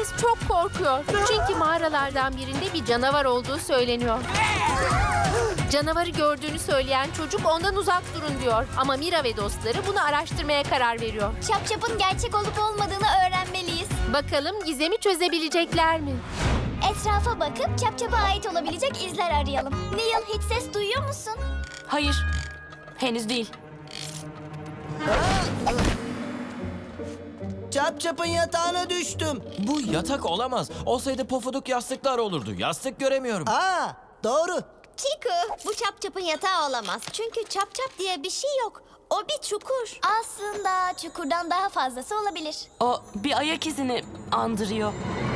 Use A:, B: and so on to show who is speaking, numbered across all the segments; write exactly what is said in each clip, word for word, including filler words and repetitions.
A: Herkes çok korkuyor. Çünkü mağaralardan birinde bir canavar olduğu söyleniyor. Canavarı gördüğünü söyleyen çocuk ondan uzak durun diyor. Ama Mira ve dostları bunu araştırmaya karar veriyor.
B: Çap-çapın gerçek olup olmadığını öğrenmeliyiz.
A: Bakalım gizemi çözebilecekler mi?
B: Etrafa bakıp Çap-çapa ait olabilecek izler arayalım. Neil, hiç ses duyuyor musun?
C: Hayır, henüz değil.
D: Çap-çapın yatağına düştüm.
E: Bu yatak olamaz. Olsaydı pofuduk yastıklar olurdu. Yastık göremiyorum.
D: Aa, doğru.
F: Chiku, bu Çap-çapın yatağı olamaz. Çünkü Çap-çap diye bir şey yok. O bir çukur.
B: Aslında çukurdan daha fazlası olabilir.
C: O bir ayak izini andırıyor.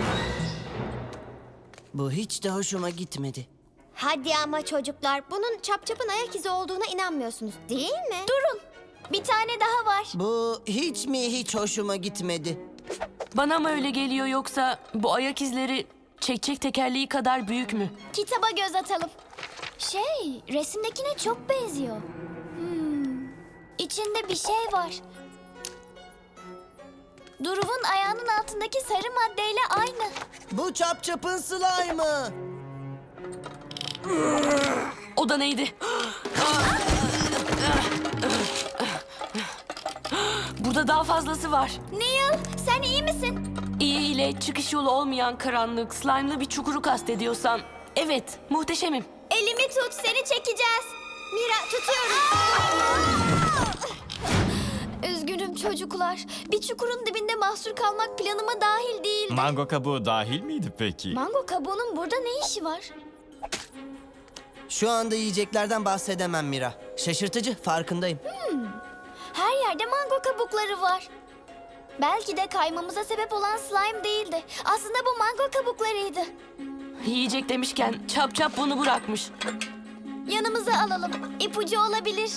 D: Bu hiç de hoşuma gitmedi.
F: Hadi ama çocuklar, bunun Çap-çapın ayak izi olduğuna inanmıyorsunuz, değil mi?
B: Durun. Bir tane daha var.
D: Bu hiç mi hiç hoşuma gitmedi.
C: Bana mı öyle geliyor yoksa bu ayak izleri çekçek tekerleği kadar büyük mü?
B: Kitaba göz atalım. Şey, resimdekine çok benziyor. Hmm, içinde bir şey var. Duruv'un ayağının altındaki sarı maddeyle aynı.
D: Bu Çap-çapın slime'ı.
C: O da neydi? Burada daha fazlası var.
B: Neil, sen iyi misin?
C: İyi ile çıkış yolu olmayan karanlık, slime'lı bir çukuru kastediyorsan... Evet, muhteşemim.
B: Elimi tut, seni çekeceğiz.
F: Mira, tutuyorum.
B: Üzgünüm çocuklar. Bir çukurun dibinde mahsur kalmak planıma dahil değildi.
E: Mango kabuğu dahil miydi peki?
B: Mango kabuğunun burada ne işi var?
D: Şu anda yiyeceklerden bahsedemem Mira. Şaşırtıcı, farkındayım.
B: Her yerde mango kabukları var. Belki de kaymamıza sebep olan slime değildi. Aslında bu mango kabuklarıydı.
C: Yiyecek demişken çap çap bunu bırakmış.
B: Yanımıza alalım. İpucu olabilir.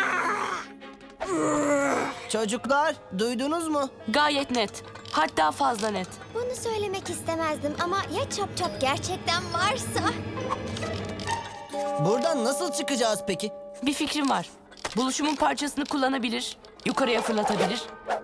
D: Çocuklar, duydunuz mu?
C: Gayet net. Hatta fazla net.
F: Bunu söylemek istemezdim ama ya Çap-çap gerçekten varsa?
D: Buradan nasıl çıkacağız peki?
C: Bir fikrim var. Buluşumun parçasını kullanabilir, yukarıya fırlatabilir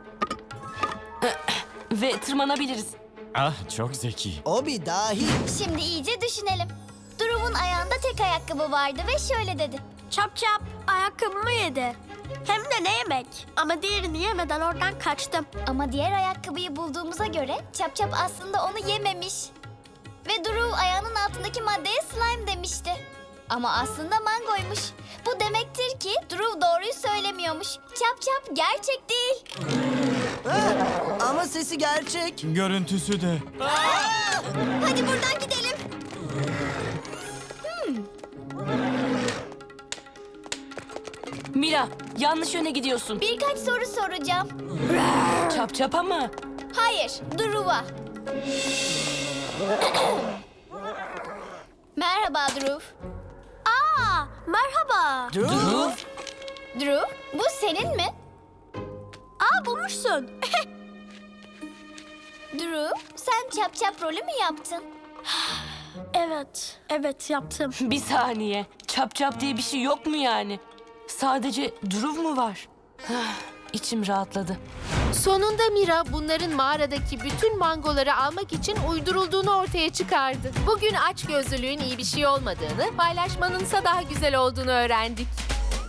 C: ve tırmanabiliriz.
E: Ah, çok zeki.
D: O bir dahi.
B: Şimdi iyice düşünelim. Duruv'un ayağında tek ayakkabı vardı ve şöyle dedi.
G: Çap çap ayakkabımı yedi. Hem de ne yemek. Ama diğerini yemeden oradan kaçtım.
B: Ama diğer ayakkabıyı bulduğumuza göre Çap-çap aslında onu yememiş. Ve Duruv ayağının altındaki maddeye slime demişti. Ama aslında mangoymuş. Bu demektir ki Duruv doğruyu söylemiyormuş. Çap-çap gerçek değil.
D: Ama sesi gerçek.
E: Görüntüsü de.
B: Hadi buradan gidelim.
C: Mira, yanlış yöne gidiyorsun.
B: Birkaç soru soracağım.
C: Çap çapa mı?
B: Hayır, Duruv'a. Merhaba Duruv.
G: Aa, merhaba.
D: Drew.
B: Duruv, bu senin mi?
G: Aa, bulmuşsun.
B: Duruv, sen Çap-çap rolü mü yaptın?
G: Evet, evet yaptım.
C: Bir saniye. Çap çap diye bir şey yok mu yani? Sadece Duruv mu var? Ah, İçim rahatladı.
A: Sonunda Mira bunların mağaradaki bütün mangoları almak için uydurulduğunu ortaya çıkardı. Bugün açgözlülüğün iyi bir şey olmadığını, paylaşmanınsa daha güzel olduğunu öğrendik.